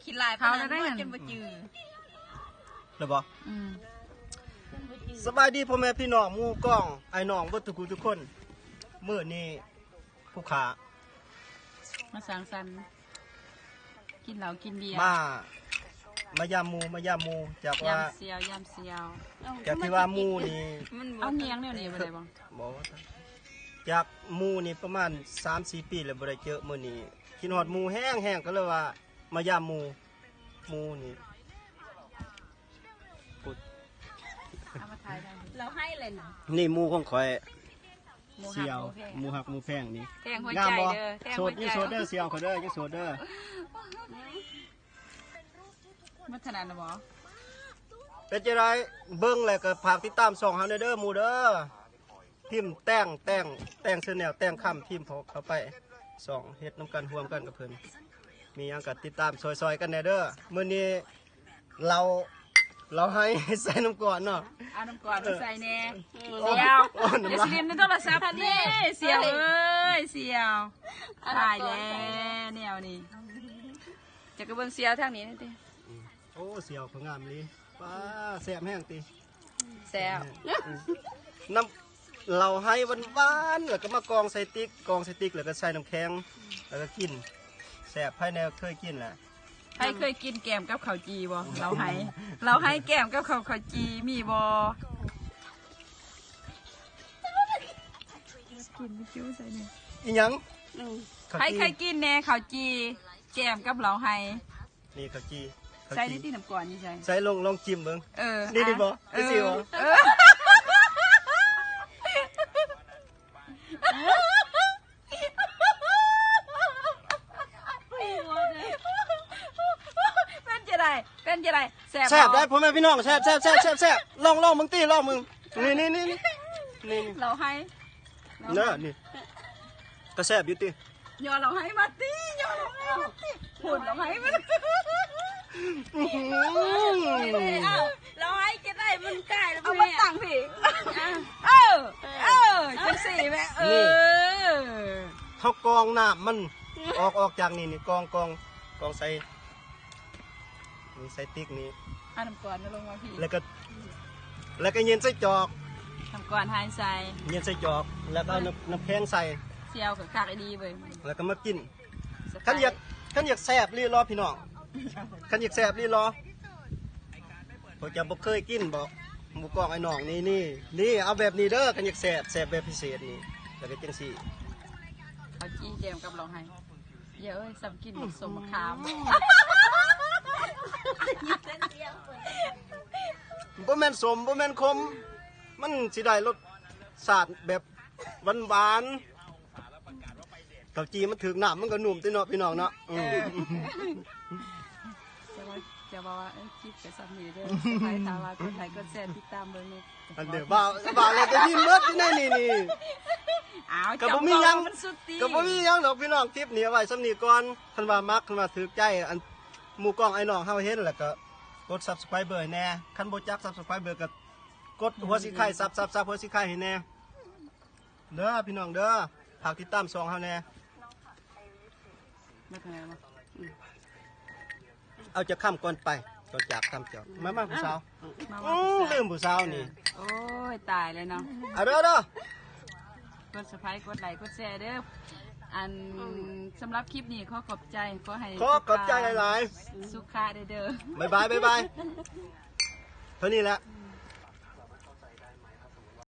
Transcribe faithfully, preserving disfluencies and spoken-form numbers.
ขี้ลายเขาได้จนบ่จืดหรือบ่สบายดีพ่อแม่พี่น้องหมู่ก้องไอ้น้องเบิดทุกทุกคนมื้อนี้ผู้ขามาสังสรรค์กินเหล้ากินเบียร์มามายามหมู่มายามหมู่จากว่ายามเสียวยามเสียวจากที่ว่าหมู่นี่เอาเงียงแนวนี้บ่ได้บ่บ่จากหมู่นี่ประมาณ สามสี่ ปีแล้วบ่ได้เจอมื้อนี้กินฮอดหมู่แห้งๆก็เลยว่ามายามหมู่หมู่นี่เราให้เลยนะนี่หมู่ของข่อยเสี่ยวหมูหักหมูแพงนี่แทงหัวใจเด้อแทงหัวใจโสดนี่โสดเด้อเสี่ยวเขาเด้อยังโสดเด้อมัธนานะบ่เป็นจังไดเบิ่งแล้วก็ฝากติดตามช่องเฮาเด้อหมู่เด้อพิมพ์แต่งแต่งแต่งเสื้อแนวแต่งคำพิมพ์เข้าไปช่องเฮ็ดนำกันร่วมกันกับเพิ่นมีหยังก็ติดตามซอยๆกันแน่เด้อมื้อนี้เราเราให้ใส่น้ำก่อนเนาะเอาน้ำก่อนใส่แน่เสียวจะสิเล่นในโทรศัพท์นี่เสียวเอ้ยเสียวตายแล้วแนวนี้จะกระเบื้องเสียวทางนี้นี่ติโอ้เสียวเขางามเลยป้าแซ่บแห้งติแซ่บน้ำเราให้หวานๆแล้วก็มากองใส่ติ๊กกองใส่ติ๊กแล้วก็ใส่น้ำแข็งแล้วก็กินแซ่บภายในเคยกินแหละให้เคยกินแกมกับข้าวจีบ่เราให้เราให้แกมกับข้าวข้าวจีมีบ่กินไม่คิ้วใส่เนี่ยอีหยังให้เคยกินแน่ข้าวจีแกมกับเราให้นี่ข้าวจีใส่ในที่น้ำก่อนนี่ใส่ใส่ลงลองจิ้มเบิ่งเออนี่ดิบ่นี่สิบ่เป็นจะไรแซ่บแซ่บได้พ่อแม่พี่น้องแซ่บแซ่บแซ่บแซ่บแซ่บลองลองมึงตีลองมึงนี่นี่นี่นี่เราให้เนอะนี่ก็แซ่บอยู่ตียอเราให้มาตียอเราให้มาตีหุ่นเราให้มาเราให้จะได้มันใกล้แล้วเอามาตั้งพี่เออเออจังสี่แม่เออเขากองน้ำมันออกออกจากนี่นี่กองกองกองใส่นี่ใส่ติ๊กนี้เอาน้ำก่อนมาลงมาพี่แล้วก็แล้วก็เย็นใส่จอกน้ำก่อนหายใส่เย็นใส่จอกแล้วก็น้ำน้ำแข็งใส่เซียวกับคักไอ้ดีเว้ยแล้วก็มากินขันอยากขันอยากแซ่บรีรอพี่น้องขันอยากแซ่บรีรอผมจะบอกเคยกินบอกหมูกรอบไอ้น้องนี่นี่นี่เอาแบบนี้เด้อขันอยากแซ่บแซ่บแบบพิเศษนี่แล้วก็จังสี่เอาจี้เจมกับเราให้เยอะเลยสับกินสมคามบ่แม่นสมบ่แม่นคมมันสิได้รสชาติแบบหวานๆข้าวจีมันถึงน้ำมันก็นุ่มติเนาะพี่น้องเนาะจะว่าจะบอกว่าเอ้ยคลิปกับสามีเด้อใครถามว่าคนไหนก็แชร์ติดตามเบอร์นี้อันเดี๋ยวบ่าวบ่าวเลยจะยินเบิดที่ไหนนี่นี่อ้าวก็บ่มีหยังก็บ่มีหยังดอกพี่น้องคลิปนี้เอาไว้สำนีก่อนคันว่ามักคันว่าถูกใจอันหมู่กล้องไอ้น้องเฮาเห็นแล้วก็กด ซับสไครบ์ แน่คันบ่จัก ซับสไครบ์ ก็กดหัวสีไข่ซับซับซับหัวสีไข่ให้แน่เด้อพี่น้องเด้อฝากติดตามช่องเฮาแน่ไม่เป็นไรมั้งเอาจะข้ามก่อนไปต่อจากข้ามเจ้ามามาผู้สาวอือลืมผู้สาวนี่โอ้ยตายเลยเนาะเอาเด้อเด้อกด ซับสไครบ์ กดไลค์กดแชร์เด้ออันสำหรับคลิปนี้ขอขอบใจขอให้ขอขอบใจหลายๆสุขะเด้อบ๊ายบายบ๊ายบายเท่านี้แหละ